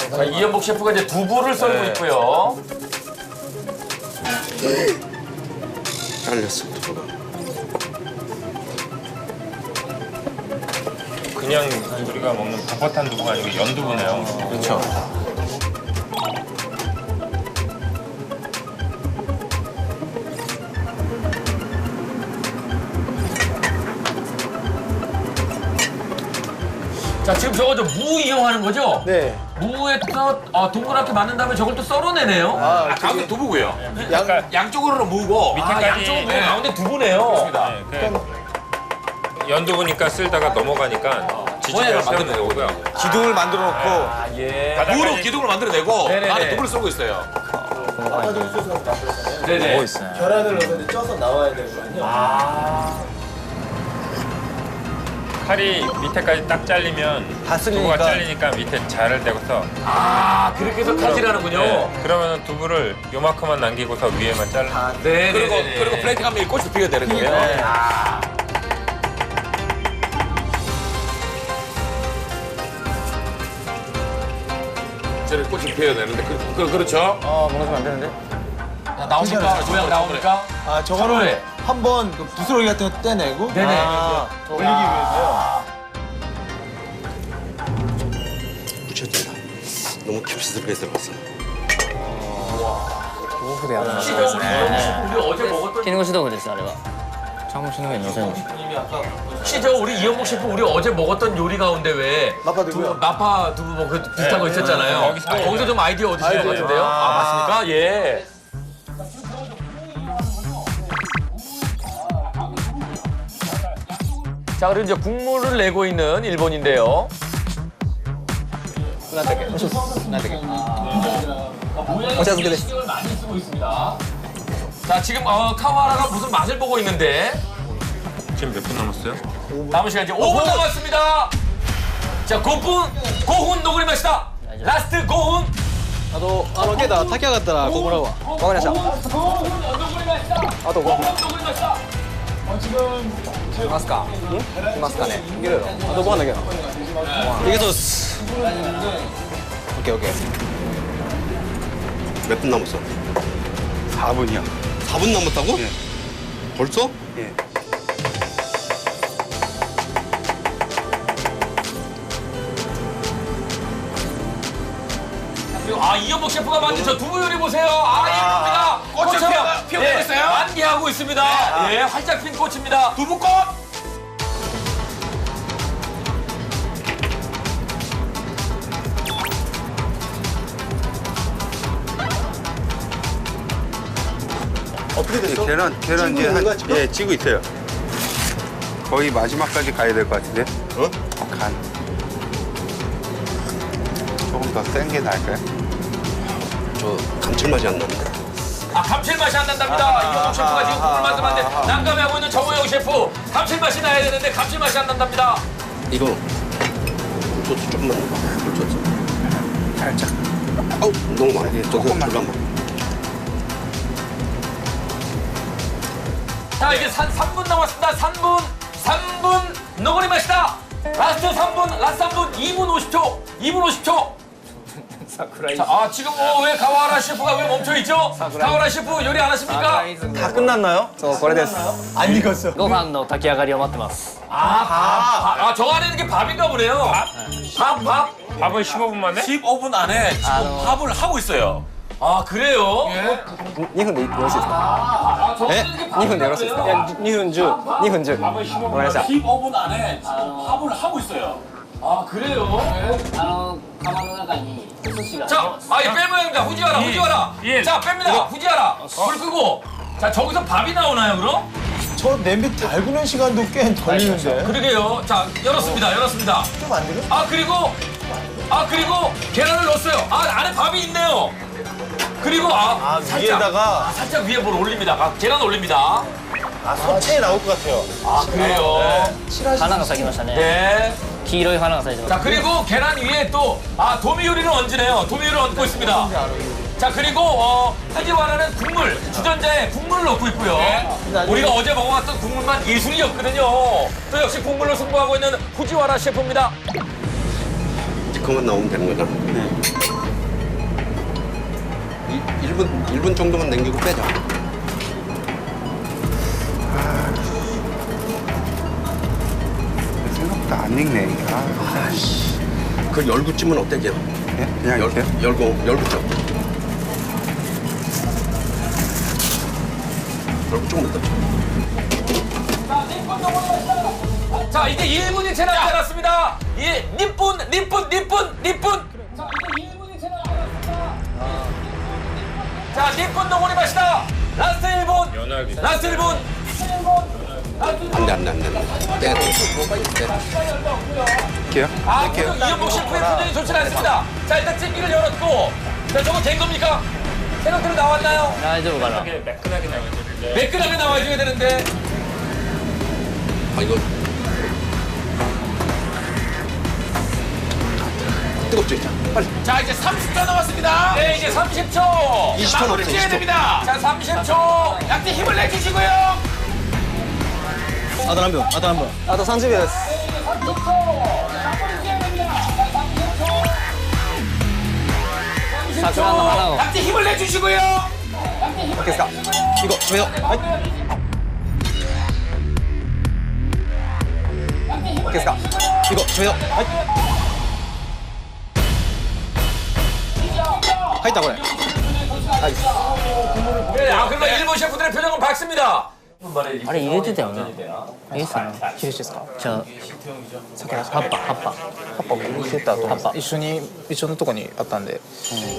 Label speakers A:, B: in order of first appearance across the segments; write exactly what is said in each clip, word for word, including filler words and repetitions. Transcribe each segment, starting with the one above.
A: 자, 이현복 셰프가 이제 두부를 썰고
B: 네.
A: 있고요.
C: 잘렸어, 두부가.
B: 그냥 우리가 먹는 버섯한 두부가 아니고 연두부네요.
D: 그렇죠.
A: 자, 지금 저거 저 무 이용하는 거죠?
E: 네.
A: 무에서 어, 동그랗게 만든 다음에 저걸 또 썰어내네요.
E: 아,
A: 가운데 두부고요.
E: 양,
A: 양쪽으로는 무고
B: 밑에까지.
A: 아, 양쪽은 무, 가운데 두부네요.
B: 네, 그 연두부니까 쓸다가 넘어가니까 지지대를 세우는 거고요.
E: 기둥을 만들어 놓고
A: 아, 예.
B: 바닥까지-
A: 무로 기둥을 만들어내고
D: 네네네.
A: 안에 두부를 썰고 있어요. 네네.
D: 뭐 있어요?
E: 계란을 넣어서 쪄서 나와야 되거든요.
B: 칼이 밑에까지 딱 잘리면
E: 다 쓸리니까.
B: 두부가 잘리니까 밑에 잘을 대고서
A: 아, 그렇게 해서 칼질하는군요.
B: 네, 그러면 두부를 요만큼만 남기고서 위에만 잘라.
A: 네,
F: 그리고
A: 네, 네.
F: 그리고 플레이팅 하면 이 꽃이 피게 되는 거예요. 저는 꽃이 피어야 되는데 그, 그, 그렇죠?
D: 어, 먹으면 안 되는데?
A: 자, 나옵니까? 모양 나옵니까?
E: 아, 저거를 한번 그 부스러기 같은 거 떼내고
A: 네네.
E: 아, 올리기 위해서요.
C: 묻혀진다. 너무 깊숙하게 들어갔어.
A: 혹시 저 우리 이현복 셰프 우리 어제 먹었던
G: 絹ごし豆腐ですあれは
D: 창문 치는 게 있어요.
A: 혹시 저 우리 이현복 셰프 우리 어제 먹었던 요리 가운데 왜
E: 마파 두부요?
A: 두- 마파 두부 뭐 그 비슷한 거 있었잖아요.
B: 거기서
A: 거기서 좀 아이디어 얻으신 것
E: 아이디어.
A: 같은데요? 아, 맞습니까? 예. 자, 그리고 이제 국물을 내고 있는 일본인데요. 모양이 신경을 많이 쓰고 있습니다. 자, 지금 어, 카와라가 무슨 맛을 보고 있는데
B: 지금 몇 분 남았어요?
A: 남은 시간 이제 오 분 남았습니다. 자, 구 분, 오 분 녹으리 마시다. 라스트 오 분.
E: あと、あの、けど、炊き上がったら、ここらは。わかりました。
A: 오 분 녹으리 마시다.
E: あとごふん。
A: 녹으리 마시다.
E: いますかいますかねいけるよ。あとご飯だけど。いけそうです。オッケーオッケー。
C: 몇 분 남았어?
D: 사 분이요.
C: 사 분 남았다고? 벌써?
D: 예.
A: 그리고 아, 이현복 셰프가 만든 저 두부 요리 보세요. 아, 이겁니다.
F: 꽃이
A: 꽃처럼
F: 피어- 피어나고 있어요?
A: 만개하고 있습니다. 예, 활짝 핀 꽃입니다.
F: 두부꽃!
E: 어떻게 됐어?
D: 계란, 계란 이제
E: 찌고 있는 거야,
D: 한,
E: 지금?
D: 예, 찌고 있어요. 거의 마지막까지 가야 될 것 같은데?
C: 어?
D: 간. 조금 더 센 게 나을까요?
C: 저 감칠맛이 안 나는데.
A: 아, 감칠맛이 안 난답니다. 이현복 셰프가 지금 국물 만들었는데 난감해하고 있는 정우영 셰프. 감칠맛이 나야 되는데 감칠맛이 안 난답니다.
C: 이거 굴소스 조금만 넣어. 굴소스.
D: 살짝.
C: 아우 너무 많이. 저거
D: 조금만.
C: 잠깐만.
A: 자, 이제 삼 분 남았습니다. 삼 분, 삼 분, 너구리 맛이다. 라스트 삼 분, 라스트 삼 분, 이 분 오십 초, 이 분 오십 초. 자, 아, 지금 뭐 왜 가와라 셰프가 왜 멈춰 있죠? 가와라 셰프 요리 안 하십니까?
E: 다 끝났나요? 안 익었어.
G: ご飯の炊き上がりを待ってます
A: 아, 밥. 아, 저 안에 있는 게 밥인가 보네요. 밥, 밥.
B: 밥은 십오 분 만에?
F: 십오 분 안에 지금 밥을 하고 있어요.
A: 아, 그래요?
E: にふんでよろしいですか
A: 아, 저 안에 있는 게
E: にふんでよろしいですかいやにふんじゅう。にふんじゅう。わかりました。
F: 십오 분 안에 지금 밥을 하고 있어요.
A: 아, 그래요?
G: あの釜の中にお寿司が
A: 자, 아, 이 빼면 됩니다. 후지와라, 후지와라.
B: 예.
A: 자, 뺍니다. 후지와라. 불 끄고. 자, 저기서 밥이 나오나요, 그럼?
E: 저 냄비 달구는 시간도 꽤 걸리는데.
A: 그러게요. 자, 열었습니다. 열었습니다.
E: 좀 안 되나?
A: 아, 그리고 아, 그리고 계란을 넣었어요. 아, 안에 밥이 있네요. 그리고 아,
E: 아,
A: 살짝,
E: 위에다가
A: 아, 살짝 위에 뭘 올립니다. 아, 계란 올립니다.
E: 아, 소체에 나올 것 같아요.
A: 아, 그래요.
G: 花が咲きましたね
A: 네.
G: 黄色い花が咲いてます
A: 자, 그리고 계란 위에 또 아, 도미요리를 얹으네요. 도미요리를 얹고 있습니다. 자, 그리고 어, 후지와라는 국물, 주전자에 국물을 넣고 있고요. 우리가 어제 먹어봤던 국물만 예술이었거든요. 또 역시 국물로 승부하고 있는 후지와라 셰프입니다.
C: 그만 나오면 되는 거잖아. 일 분 일 분 정도만 남기고 빼자.
D: 생각보다 안 익네. 아,
C: 그 열구찜은 어때, 걔?
D: 예? 그냥
C: 열,
D: 이렇게?
C: 열고, 열구찜. 열구 조금 넣자.
A: 자, 이제 일 분이 채 남지 않았습니다. 이 니뿐, 니뿐, 니뿐, 니뿐. 자, 이제 일 분이 채 남지 않았습니다. 자, 니뿐 동원이 마시다. 라스트 일 분.
B: 연하기.
A: 라스트 일 분.
C: 안 돼, 안 돼, 안 돼. 안 돼. 빼야 돼. 빼.
D: 이렇게요?
A: 아, 표정, 이현복 셰프의 표정이 좋지 않습니다. 자, 일단 찜기를 열었고. 자, 저거 된 겁니까? 생각대로 나왔나요?
G: 大丈夫かな
B: 매끈하게 나와야
A: 매끈하게 나와줘야 되는데.
C: 아, 이거. 뜨겁지? 자, 빨리.
F: 자, 이제 삼십 초 남았습니다.
A: 네, 이제 삼십 초.
C: 이십 초
F: 마무리
C: 남았어,
F: 지어야
C: 이십 초.
F: 됩니다.
A: 자, 삼십 초.
F: 약간 힘을 내주시고요.
E: あと何分あと何分あとさんじゅうびょうです
G: 桜の花を
F: 약간 힘을 내주시고요.
E: OK ですか行こう決めようはい OK ですか行こう決めようはい入ったこれ
A: 네, 아, 그러면 일본 셰프들의 표정은 밝습니다.
G: あれ入れてたよなえっすね
E: ヒレですか
G: じゃあ葉っぱ葉っぱ
E: 葉っぱも入れたと思う一緒に一緒のとこにあったんで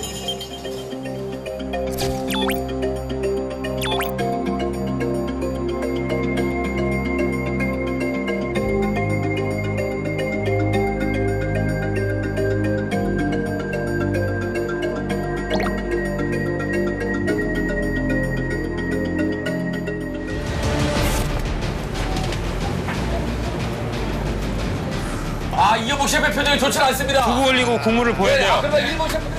A: 아, 이현복 셰프의 표정이 좋지 않습니다.
B: 두부 올리고 국물을 보여야
A: 네, 아,
B: 돼요.
A: 그러면 일본 셰프.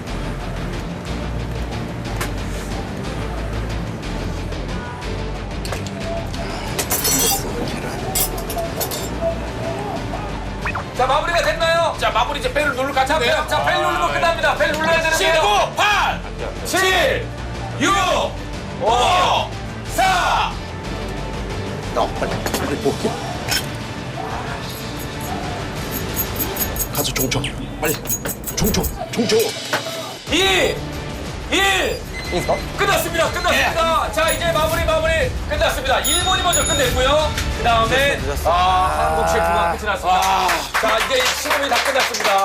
A: 자, 마무리가 됐나요?
F: 자, 마무리 이제 벨을 누를 것
A: 자, 벨,
F: 같은데요.
A: 자, 벨 누르면 끝납니다. 벨 눌러야 되는데요.
F: 구, 팔, 칠, 육, 오, 사.
C: 나 빨리. 빨리 볼게. 가서 종쳐. 빨리. 종쳐. 종쳐.
A: 이, 일. 끝났습니다. 끝났습니다. 자, 이제 마무리, 마무리 끝났습니다. 일본이 먼저 끝냈고요. 그 다음에, 아, 한국 셰프가 끝이 났습니다. 자, 이제 시험이 다 끝났습니다.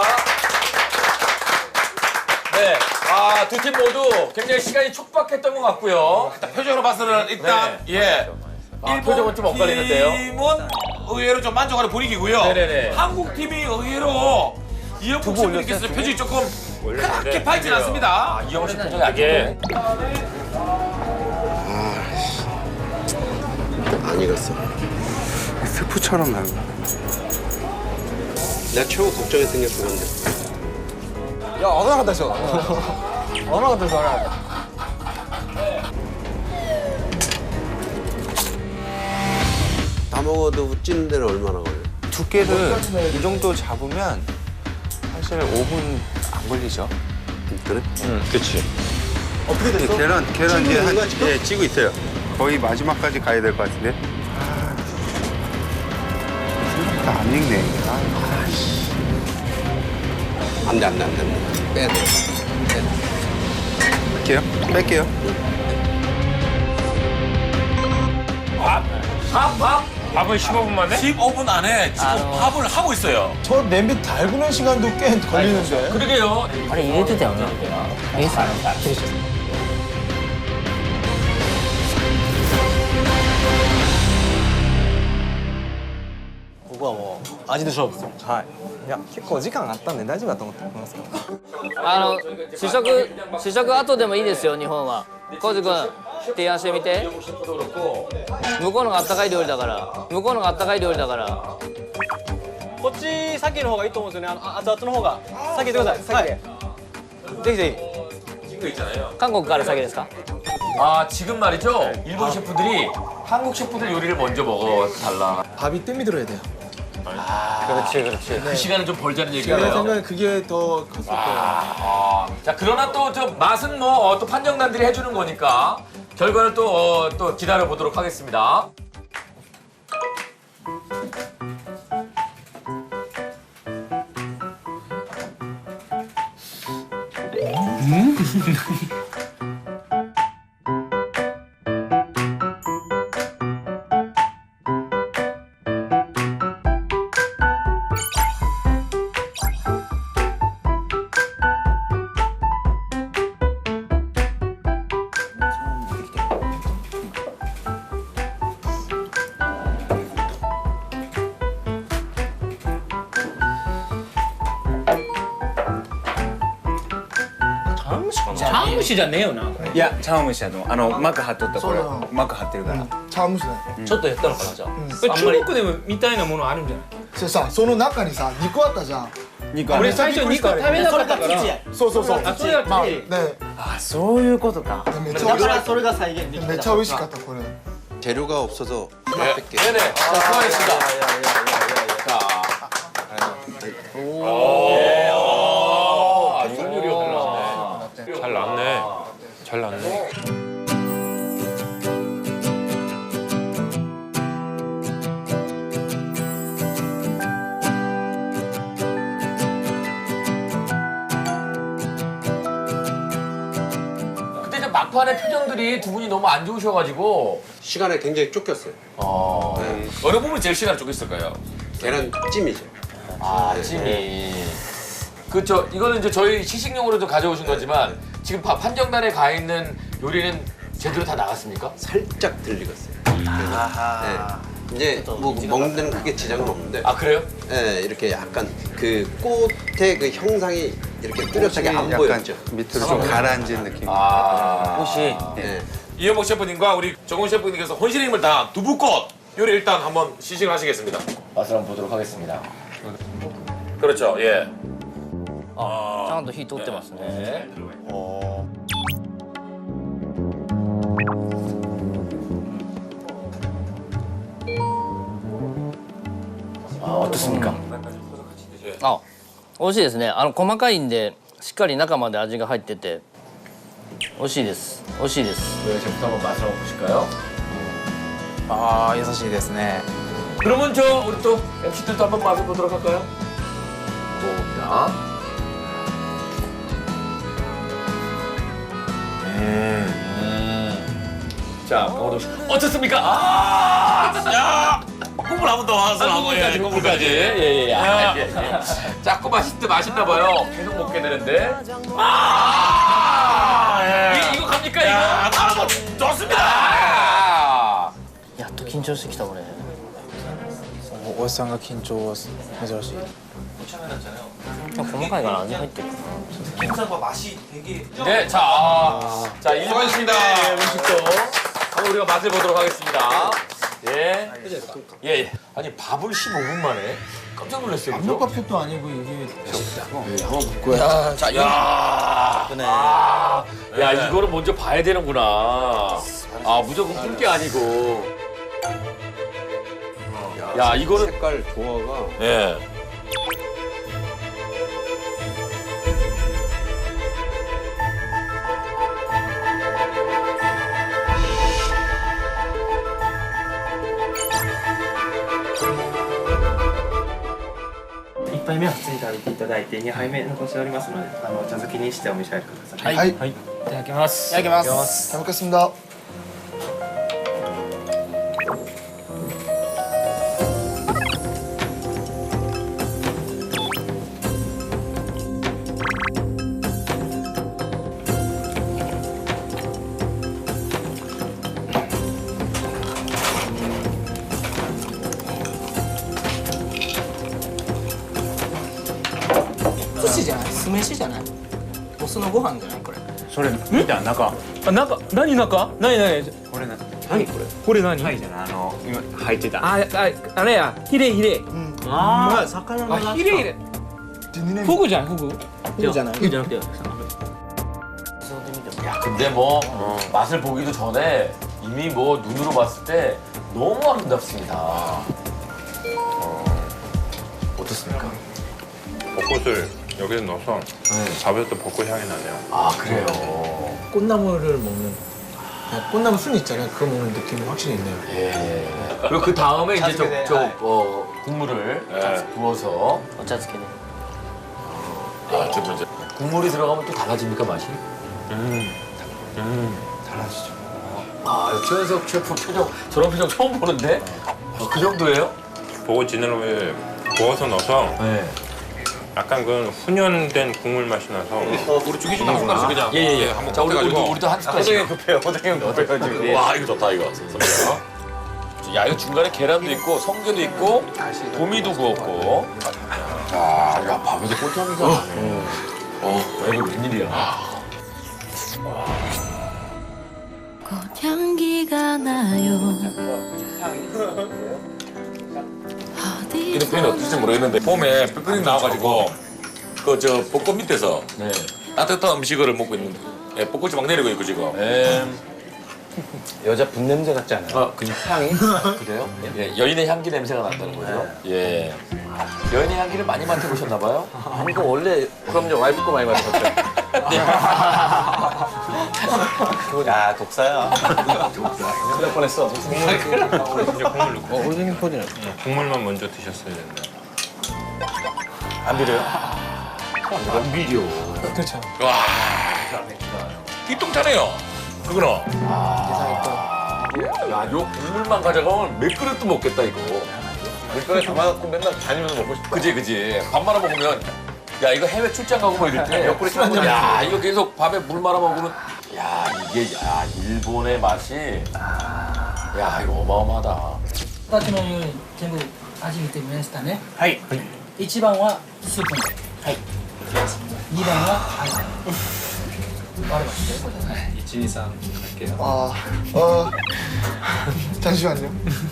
A: 네. 아, 두 팀 모두 굉장히 시간이 촉박했던 것 같고요.
F: 표정으로 봐서는 일단 예.
A: 아, 표정은 좀 엇갈리는데요.
F: 팀은 의외로 좀 만족하는 분위기고요.
A: 네네네.
F: 한국 팀이 의외로 이현복 셰프님께서 표정이 조금 그렇게 밝진 않습니다.
A: 아, 이영호 씨 표정이 안
B: 이게
A: 좋네.
C: 안 익었어.
D: 스프처럼 나고.
C: 내가 최고 걱정했던 게 그건데.
E: いや危なかったでしょ危なかったです危なかった
C: 다 먹어도 찌는 데는 얼마나 걸려?
D: 두께를 이 정도 잡으면 사실 오 분 안 걸리죠.
C: 그래?
B: 응, 그치.
C: 어떻게 됐어?
D: 계란, 계란 이제 한,
C: 거야, 지금?
D: 예, 찌고 있어요. 거의 마지막까지 가야 될 것 같은데. 아, 생각보다 안 익네. 아,
C: 안 돼, 안 돼, 안 돼. 안 돼. 빼야 돼. 빼야 돼.
D: 뺄게요. 뺄게요.
A: 밥, 밥, 밥.
B: 밥을 십오 분 만에?
F: 십오 분 안에 지금
G: 아,
F: 밥을 하고 있어요.
E: 저 냄비 달구는 시간도 꽤 걸리는데
A: 그러게요.
G: あれ入れてたよなえっすねヒレです
E: ここはもう味で勝負ですはいいや結構時間あったんで大丈夫だと思ってますけど
G: あの試食試食後でもいいですよ日本は浩司君提案してみて向こうのがあったかい料理だから向こうのがあったかい料理だから
E: こっち先の方がいいと思うんですよねあの熱々の方が先行ってくださいはいぜひぜ
G: 韓国から先ですか
A: 아, 지금 말이죠. 일본 셰프들이 한국 셰프들 요리를 먼저 먹어달라.
E: 밥이 뜸이 들어야 돼요
G: 그렇지, 그렇지.
A: 그 시간을 좀 벌자는
E: 제
A: 얘기가요.
E: 생각엔 그게 더 컸을 거예요.
A: 아, 자 그러나 또 저 맛은 뭐 또 판정단들이 해주는 거니까 결과를 또 어, 또 기다려 보도록 하겠습니다.
F: 장무시잖아요, 나.
D: いや茶碗蒸しだと思うあの膜張っとったこれ
E: そうなの
D: 膜張ってるから
E: 茶碗蒸しだよ。
A: ちょっとやったのかなじゃあ。
F: これ中国でもみたいなものあるんじゃない？
E: それさ、その中にさ、肉あったじゃん。
D: 肉ある
F: 俺最初肉食べなかったから。
E: そうそうそう。
F: あ、それは
E: まあ、
F: き
E: ね、
D: あそういうことか
E: めっちゃ美味しかった。それが再現できた。めっちゃ美味しかったこれ。
C: 재료가 없어서
A: 네,
C: 하나밖에.
A: 네네. 자, 수고하셨습니다. 자. 오. 아, 이런 요리였구나.
B: 잘 났네. 잘 났네.
A: 그때 이제 막판에 표정들이 두 분이 너무 안 좋으셔가지고
C: 시간에 굉장히 쫓겼어요.
A: 어... 어느 부분이 제일 시간을 쫓겼을까요?
C: 계란찜이죠.
A: 아, 찜이. 그쵸. 이거는 이제 저희 시식용으로도 가져오신 거지만 지금 파- 판정단에 가 있는 요리는 제대로 다 나갔습니까?
C: 살짝 들리겠어요. 그래서 네. 이제 뭐 먹는 데는 크게 지장은 없는데
A: 아, 그래요?
C: 네, 이렇게 약간 그 꽃의 그 형상이 이렇게 뚜렷하게 안
D: 약간
C: 보였죠.
D: 밑으로 좀 가라앉은 느낌
A: 아.
G: 혹시
C: 네.
F: 이현복 셰프님과 우리 정훈 셰프님께서 혼신의 힘을 다한 두부꽃 요리 일단 한번 시식을 하시겠습니다.
A: 맛을 한번 보도록 하겠습니다.
F: 그렇죠, 예.
G: ちゃんと火通ってますね。
A: 네. 아, 어떻습니까?
G: あ、美味しいですね。あの細かいんでしっかり中まで味が入ってて美味しいです。美味しいです。
A: 네, 제부터 한번 맛을 한번 보실까요?
D: ああ優しいですね
A: 그러면 저 우리 또 엠씨들도 한번 맛을 보도록 할까요? 자. 음. 자, 강호동 씨. 어떻습니까? 아!
F: 야! 국물 한 번 더 와서
A: 아,
F: 한번 예,
A: 국물까지, 국물까지. 예, 예, 아, 예, 예. 자꾸 맛있대, 맛있나 봐요. 계속 먹게 되는데. 아! 이, 이거 갑니까, 이거?
F: 야, 아, 좋습니다.
A: 아!
G: やっと緊張してきた俺。
D: おおっさんが緊張は珍しい
G: 細かいから味入ってる。
A: 네, 자, 아, 자, 수고하셨습니다. 음식도 한번 우리가 맛을 보도록 하겠습니다. 예. 예, 예. 아니, 밥을 십오 분 만에 깜짝 놀랐어요. 그죠?
E: 밥솥도 아니고 이게
A: 야, 자, 야. 아, 야, 이거는 먼저 봐야 되는구나. 아, 무조건 푼 게 아니고. 야, 이거는.
C: 색깔 조화가
A: 예.
H: いっぱいめは普通に食べていただいてにはいめ残しておりますのであのお茶漬けにしてお召し上がりください。
E: はい、
H: いただきます。
G: いただきます。
E: 잘 먹겠습니다.
G: 寿司じゃない。酢飯じゃない。お酢のご飯じゃないこれ。
D: それ見た中
F: あ、中、何中？何何？
D: これな
F: 何これ？これ何？
D: はいじゃないあの今入ってた
F: あ、あ、あれや、ヒレヒレ。
H: ああ、魚
F: あ、ヒレヒレ。フグじゃん、フグ。
G: フグじゃない。フグじゃなくて。
A: 야, 근데 뭐 맛을 보기도 전에 이미 뭐 눈으로 봤을 때 너무 아름답습니다. 어. 어떻습니까?
B: 벚꽃을 여기에 넣어서 잡을 때 벚꽃 향이 나네요.
A: 아 그래요.
E: 꽃나무를 먹는 그냥 꽃나무 순 있잖아요. 그거 먹는 느낌이 확실히 있네요.
A: 예. 그리고 그 다음에 이제 저,
E: 자주게
A: 저
E: 돼.
A: 어, 국물을
B: 네.
A: 부어서
G: お茶漬けで
A: 아, 저, 저, 저. 국물이 들어가면 또 달라집니까 맛이?
B: 음, 음.
D: 달라지죠.
A: 아 최현석 셰프 표정 저런 표정 처음 보는데 아, 그 정도예요?
B: 벚꽃 지느러미에 부어서 넣어서
A: 네.
B: 약간 그 훈연된 국물 맛이 나서
F: 우리 죽이 좀 나쁜 거지 그냥.
A: 예예예.
F: 한번
A: 자 우리
F: 꺼내가지고.
A: 우리도 우리도 한 숟갈씩.
E: 급해요. 호동이 급해요 지금.
A: 와 이거 좋다 이거. 선배야. 야 이거 중간에 계란도 있고 성게도 있고 도미도 구웠고. 자, 야 밥에도 꼴통이가 나네. 어, 야, 이거 웬일이야?
I: 꽃향기가 나요.
F: 이런 표현이 어떨지 모르겠는데 봄에 뿔뿔이 나와가지고 그 저 벚꽃 밑에서
A: 네.
F: 따뜻한 음식을 먹고 있는데 예, 벚꽃이 막 내리고 있고 지금.
A: 음.
E: 여자 분 냄새 같지 않아요?
A: 아, 그 향이? 그래요? 예, 여인의 향기 냄새가 난다는 거죠? 예. 여인의 향기를 많이 맡아보셨나 봐요?
E: 아니 이거 원래 그럼요 와이프 거 많이 맡았죠. 야 독사야. 독사. 뻔했어.
B: 이제 국물 넣고
E: 어 호동이 포디는
B: 국물만 먼저 드셨어야 된다.
E: 안 비려요?
A: 안 비려.
E: 그렇죠.
F: 와, 띠똥차네요. 그거는.
A: 야, 요 국물만 가져가면 몇 그릇도 먹겠다, 이거.
E: 물병에 담아갖고 맨날 다니면서 먹고 싶어.
A: 그지, 그지. 밥 말아 먹으면, 야, 이거 해외 출장 가고 뭐 이럴 때.
E: 옆구리 찔러주면
A: 야, 이거 계속 밥에 물 말아 먹으면, 야, 이게, 야, 일본의 맛이. 야, 이거 어마어마하다.
J: 形のように全部味見てみましたね。
E: はい。
J: いちばんはスープの。はい。にばんは味。割れましたよ。はい。
H: 일, 이, 삼 할게요.
D: 아, 어, 잠시만요.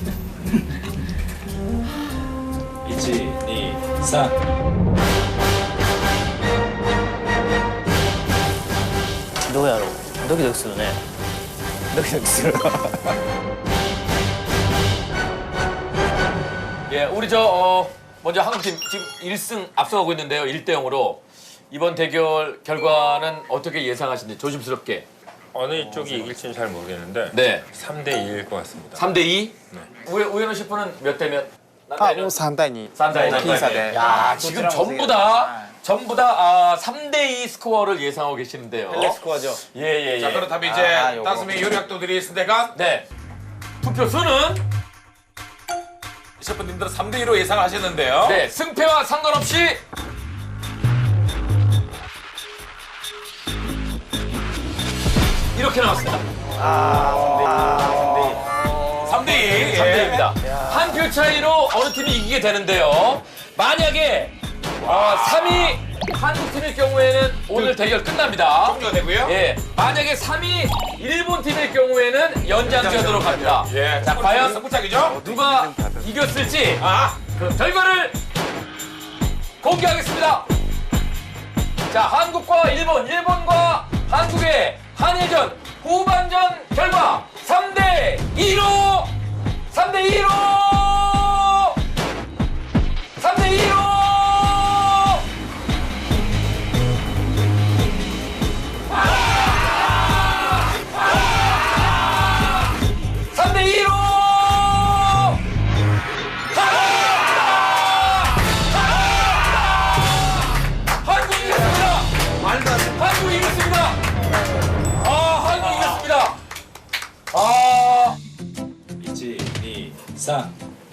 H: 일, 이, 삼.
G: どうやろうドキドキするねドキドキする
A: 예, 우리 저, 어, 먼저 한국팀 지금 일 승 앞서가고 있는데요. 일 대 영으로. 이번 대결 결과는 어떻게 예상하시는지 조심스럽게.
B: 어느 쪽이 이길지는 잘 모르겠는데
A: 네.
B: 삼 대 이일 것 같습니다.
A: 삼 대 이?
B: 네.
A: 우에, 우현우 셰프는 몇 대 몇?
D: 아, 뭐 삼 대 이.
A: 삼 대 이.
D: 僅差で.
A: 야, 지금 전부 다, 전부 다 아, 삼 대 이 스코어를 예상하고 계시는데요.
E: 헬레 스코어죠.
A: 예, 예, 예.
F: 자, 그렇다면 이제
E: 아, 요거.
F: 다섯 명의 요리학도들이 있으니까
A: 네. 투표 수는
F: 셰프님들은 삼 대 이로 예상하셨는데요.
A: 네, 승패와 상관없이 이렇게 나왔습니다.
F: 삼 대 이.
A: 삼 대 이입니다. 한 표 차이로 어느 팀이 이기게 되는데요. 만약에 어, 삼 위 한국팀일 경우에는 오늘 대결 끝납니다.
F: 종료가 되고요.
A: 예, 만약에 삼 위 일본 팀일 경우에는 연장전으로 갑니다.
F: 예,
A: 자, 과연
F: 승부차기죠.
A: 누가 이겼을지
F: 아,
A: 그 결과를 공개하겠습니다. 자, 한국과 일본, 일본과 한국의 한일전 후반전 결과 삼 대 이로 삼 대 이로 삼 대 이로 삼 대 이로 한국이 이겼습니다. 한국이 이겼습니다. 아, 한국이 이겼습니다. 아,
H: 일, 이, 삼.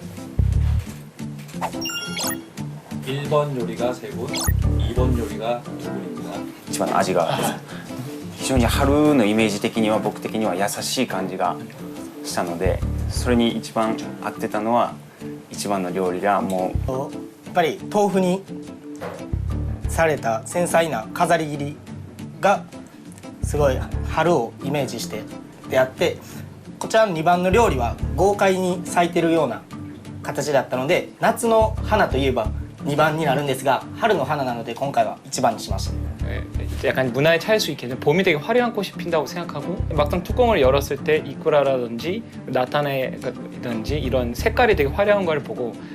H: 일 번 요리가 세 분, 이 번 요리가 두 분입니다.
D: 一番の味が非常に春のイメージ的には僕的には優しい感じがしたのでそれに一番合ってたのは一番の料理がもう
J: やっぱり豆腐にされた繊細な飾り切りがすごい春をイメージしてであってこちらのにばんの料理は豪快に咲いてるような形だったので夏の花といえばにばんになるんですが春の花なので今回はいちばんにしました。
K: 약간 문화에 차일 수 있겠죠. 봄이 되게 화려한 꽃이 핀다고 생각하고 막상 뚜껑을 열었을 때 이쿠라라든지 나타네든지 이런 색깔이 되게 화려한 걸 보고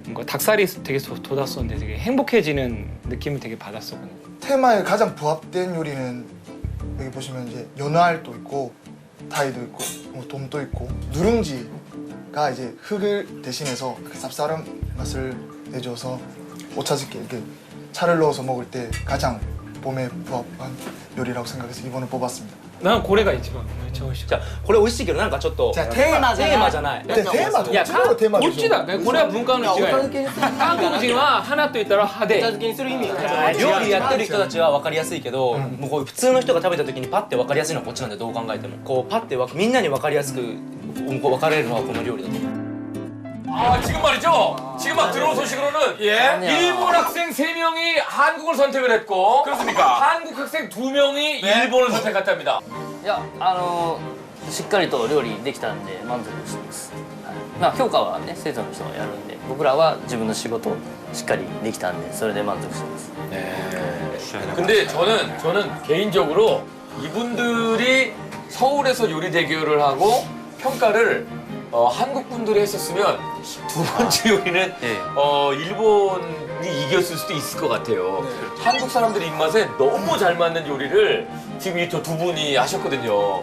K: 뭔가 닭살이 되게 도- 돋았었는데 되게 행복해지는 느낌을 되게 받았었거든요.
I: 테마에 가장 부합된 요리는 여기 보시면 이제 연어알도 있고 타이도 있고 뭐 돔도 있고 누룽지가 이제 흙을 대신해서 그 쌉싸름 맛을 내줘서 오차즈케 이렇게 차를 넣어서 먹을 때 가장 봄에 부합한 요리라고 생각해서 이번에 뽑았습니다.
K: 난 고래가 이치방 좋으시고.
E: じゃあこれ美味しいけどなんかちょっと
J: じゃあテーマじゃない
E: テーマじゃない。
I: 네, 테마
K: 야,
I: 도치로 테마
K: 고っちだ。これは文化の違い。韓国人は花と言ったら派手。
J: 茶漬けにする意味が
E: 料理やってる人たちは分かりやすいけど、もうこう普通の人が食べた時にパッて分かりやすいのはこっちなんでどう考えてもこうパッてわみんなに分かりやすくこう分かれるのはこの料理だと思う。
A: 아, 지금 말이죠. 지금 막 들어온 소식으로는 예. 일본 학생 세 명이 한국을 선택을 했고
F: 그렇습니까?
A: 한국 학생 두 명이 일본을 선택했답니다.
G: いやあのしっかりと料理できたんで満足してます、はい、まあ評価はね生徒の人がやるんで僕らは自分の仕事をしっかりできたんでそれで満足してます。
A: 근데 저는 저는 개인적으로 이분들이 서울에서 요리 대결을 하고 평가를 어, 한국 분들이 했었으면 두 번째 요리는 어, 일본이 이겼을 수도 있을 것 같아요. 한국 사람들 입맛에 너무 잘 맞는 요리를 지금 이 저 두 분이 하셨거든요.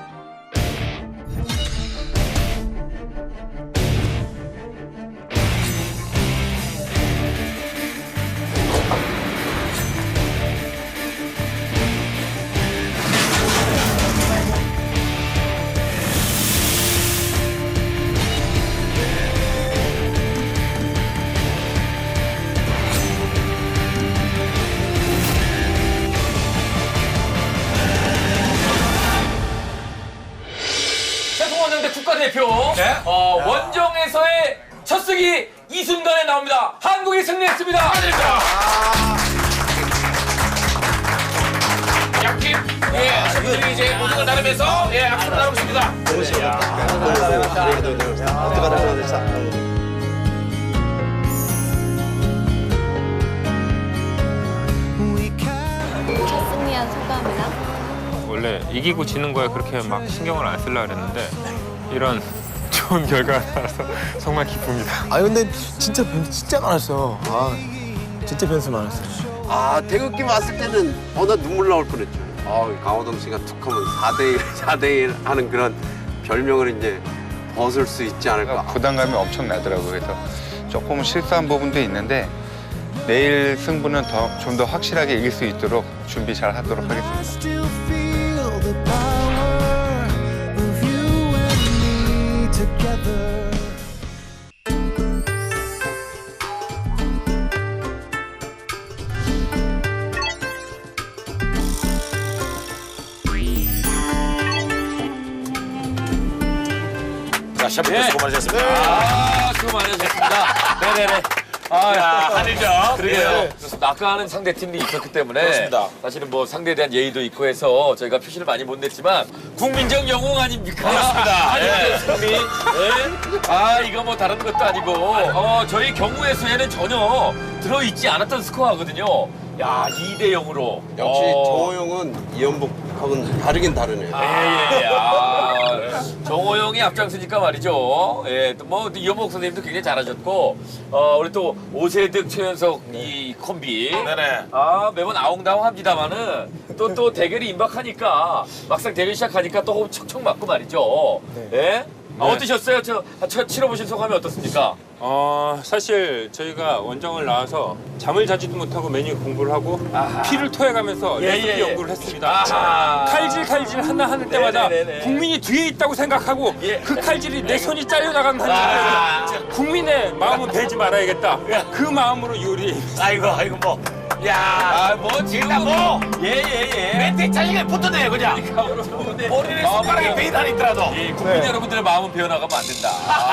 A: 세종원정대 국가대표 어, 원정에서의 첫 승이 이 순간에 나옵니다. 한국이 승리했습니다.
F: 양팀 예, 셰프들이 이제 모든 걸 나누면서 예, 악수를 나누고 있습니다.
L: 승리한 소감이랑
B: 원래 이기고 지는 거에 그렇게 막 신경을 안 쓰려고 그랬는데 이런 좋은 결과가 나와서 정말 기쁩니다.
M: 아 근데 진짜 변수 진짜 많았어. 아 진짜 변수 많았어.
C: 아 태극기 왔을 때는 어 나 눈물 나올 뻔했죠. 아 강호동 씨가 툭하면 사 대 일, 사 대 일 하는 그런 별명을 이제 벗을 수 있지 않을까.
N: 부담감이 엄청 나더라고요. 그래서 조금 실수한 부분도 있는데 내일 승부는 더 좀 더 확실하게 이길 수 있도록 준비 잘 하도록 하겠습니다.
F: 자, 셰프들 수고 많으셨습니다.
A: 아, 수고 많으셨습니다. 네네네. 아,
F: 야, 한일전.
A: 그러게요.
F: 네.
A: 그렇습니다. 아까 하는 상대 팀이 있었기 때문에
F: 그렇습니다.
A: 사실은 뭐 상대에 대한 예의도 있고 해서 저희가 표시를 많이 못 냈지만 국민적 영웅 아닙니까?
F: 그렇습니다.
A: 한일전
F: 예.
A: 승리. 네. 아, 이거 뭐 다른 것도 아니고 어, 저희 경우의 수에는 전혀 들어있지 않았던 스코어거든요. 야, 이 대 영으로.
C: 역시
A: 어.
C: 정호영은 이연복하고는 다르긴 다르네요.
A: 예, 예. 아, 정호영이 앞장서니까 말이죠. 예, 또 뭐 이현복 선생님도 굉장히 잘하셨고, 어, 우리 또 오세득, 최현석 이 콤비.
F: 네네.
A: 아, 매번 아웅다웅합니다만은 또 또 대결이 임박하니까 막상 대결 시작하니까 또 호흡 척척 맞고 말이죠. 예? 아,
B: 네.
A: 어떠셨어요? 저, 저 치러보신 소감이 어떻습니까?
B: 어 사실 저희가 원정을 나와서 잠을 자지도 못하고 메뉴 공부를 하고
A: 아하.
B: 피를 토해가면서
A: 예,
B: 레시피
A: 예, 예.
B: 연구를 했습니다.
A: 아하.
B: 칼질 칼질 하나 하는 때마다
A: 네네네네.
B: 국민이 뒤에 있다고 생각하고
A: 예.
B: 그 칼질이 내 손이 잘려나가는
A: 아.
B: 한이 국민의 마음은 베지 말아야겠다. 그 마음으로 요리.
F: 아이고, 아이고, 뭐. 야,
A: 아, 뭐, 지금
F: 일단 뭐.
A: 예, 예, 예.
F: 멘트 짜증을 붙어내요, 그냥. 본인의 손가락에 베인 안 있더라도.
A: 예, 국민 여러분들의 마음은 배어나가면 안 된다.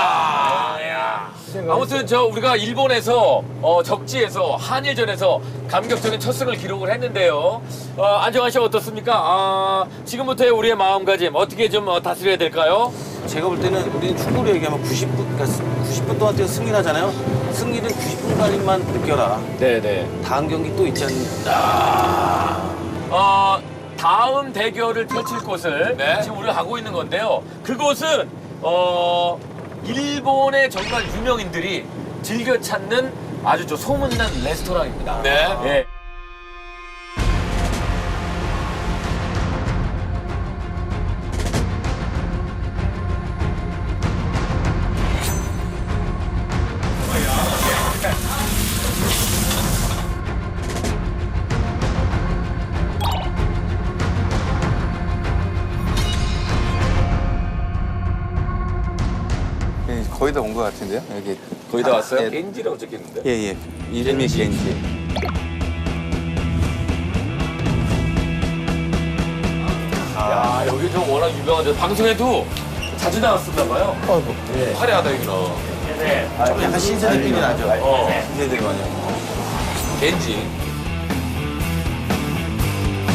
A: 아, 야. 아무튼 저 우리가 일본에서 어, 적지에서 한일전에서 감격적인 첫 승을 기록을 했는데요. 어, 안정환 씨 어떻습니까? 아, 지금부터의 우리의 마음가짐 어떻게 좀 어, 다스려야 될까요?
E: 제가 볼 때는 우리는 축구로 얘기하면 구십 분, 그러니까 구십 분 동안 뛰어 승리를 하잖아요. 승리는 구십 분간만 느껴라.
A: 네네.
E: 다음 경기 또 있지 않습니까?
A: 아, 어, 다음 대결을 펼칠 곳을
F: 네.
A: 지금 우리가 가고 있는 건데요. 그곳은 어, 일본의 정말 유명인들이 즐겨 찾는 아주 저 소문난 레스토랑입니다.
F: 네.
A: 예.
N: 예, 거의 다 온 것 같은데요? 여기
F: 거의 다 왔어요?
N: 예.
F: 겐지라고 적혀있는데.
N: 예, 예. 이름이 겐지.
A: 야, 여기 좀 워낙 유명한데 방송에도 자주 나왔었나 봐요.
M: 아이고.
A: 예. 화려하다 여기는.
M: 약간 신세 느낌이 나죠?
A: 어.
M: 신세 느낌 아니야?
F: 겐지.